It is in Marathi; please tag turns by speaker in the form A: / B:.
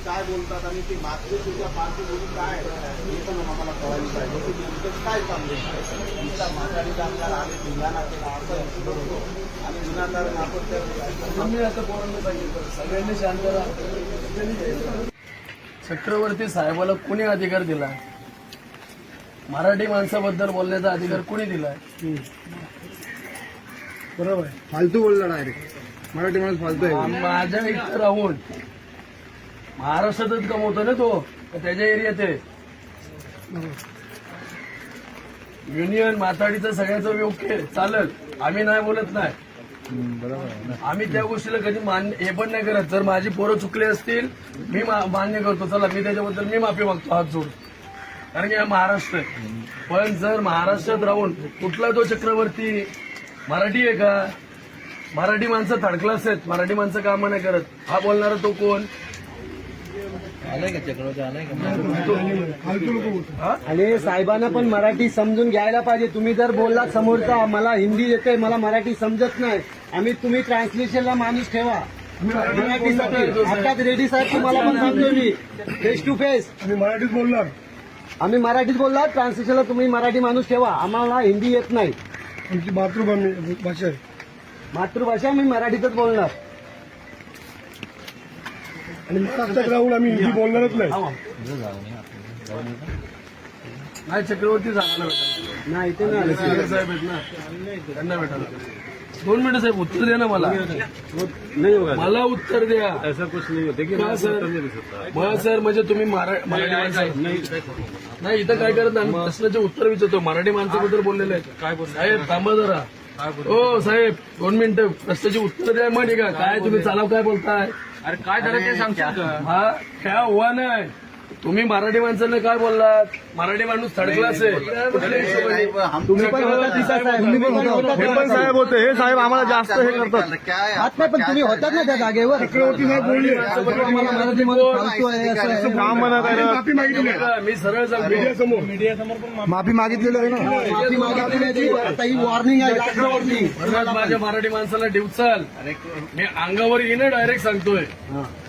A: काय बोलतात आणि ते मागचे तुझ्या पार्टीमधून काय हे पण आम्हाला कळायला पाहिजे की नेमकं काय चाललंय. तुमचा माघारी आमदार आम्ही धिंगाणा केला असं बोलतो आणि विनाकारण आपण तर
B: आम्ही आता बोलायला पाहिजे, सगळ्यांनी शांत राहा. चक्रवर्ती साहेबाला कोणी अधिकार दिला? मराठी माणसाबद्दल बोलण्याचा अधिकार कोणी दिलाय?
C: बरोबर आहे. फालतू बोलला डायरेक्ट. मराठी माणूस फालतू आहे.
B: माझ्या इथं राहून महाराष्ट्रातच कमवतो ना तो, तर त्याच्या एरियात आहे. युनियन माथाडीचं सगळ्याचं योग्य चालत, आम्ही नाही बोलत नाही. आम्ही त्या गोष्टीला कधी मान्य हे पण नाही करत. जर माझी पोरं चुकले असतील मी मान्य करतो, चला मी त्याच्याबद्दल मी माफी मागतो हात जोड, कारण की हा महाराष्ट्र आहे. पण जर महाराष्ट्रात राहून कुठला तो चक्रवर्ती मराठी आहे का? मराठी माणसं थर्ड क्लास आहेत, मराठी माणसं कामं नाही करत. हा बोलणारा तो कोण?
D: आलाय का चक्रवर्ती? आलाय का?
C: आणि साहेबांना पण मराठी समजून घ्यायला पाहिजे. तुम्ही जर बोललात समोरचा मला हिंदी येते मला मराठी समजत नाही, तुम्ही ट्रान्सलेशनला माणूस ठेवा मराठीसाठी. आताच रेडी साहेब तुम्हाला पण सांगतोय मी फेस टू फेस. आम्ही मराठीत बोलणार ट्रान्सलेशनला तुम्ही मराठी माणूस ठेवा. आम्हाला हिंदी येत नाही, आमची मातृभाषा आहे. मातृभाषा मी मराठीतच बोलणार. आणि महाराष्ट्रात राहून आम्ही हिंदी बोलणारच नाही.
B: नाही चक्रवर्ती सांगायला भेटायला
C: नाही ते नाही.
B: सीनियर साहेब आहेत ना, त्यांना भेटायला. 2 मिनिटं साहेब, उत्तर द्या ना मला. मला उत्तर द्या.
D: ऐसा कुछ नहीं होते की
B: मग सर म्हणजे तुम्ही मराठी माणसं नाही इथं काय करत नाही. प्रश्नाचे उत्तर विचारतो. मराठी माणसाबद्दल बोललेले आहेत.
D: काय बोल
B: साहेब थांबा जरा. हो साहेब 2 मिनिटं प्रश्नाची उत्तर द्या. मग ठीक आहे. काय तुम्ही चालाव काय बोलताय?
D: अरे काय झालं ते सांगशील का?
B: हा क्या हुआ नाही. तुम्ही मराठी माणसांना काय बोललात? मराठी माणूस थर्ड क्लास आहे. कुठल्या हिशोबाने?
C: तुम्ही पण होता तिथं साहेब. तुम्ही पण होता.
E: हे पण साहेब होते. हे साहेब आम्हाला जास्त हे करतात.
A: काय
C: हात नाही पण तुम्ही होतात ना त्या जागेवर. चक्रवर्ती साहेब बोलले आम्हाला मराठी माणूस फालतू आहे असं आहे.
E: काम म्हणा काय
B: मी सरळ सांगतो.
C: माफी मागितलेली आहे ना. माफी मागितलेली आहे. आता ही वॉर्निंग आहे चक्रवर्ती.
B: माझ्या मराठी माणसाला डिवचाल मी अंगावर येणं डायरेक्ट सांगतोय.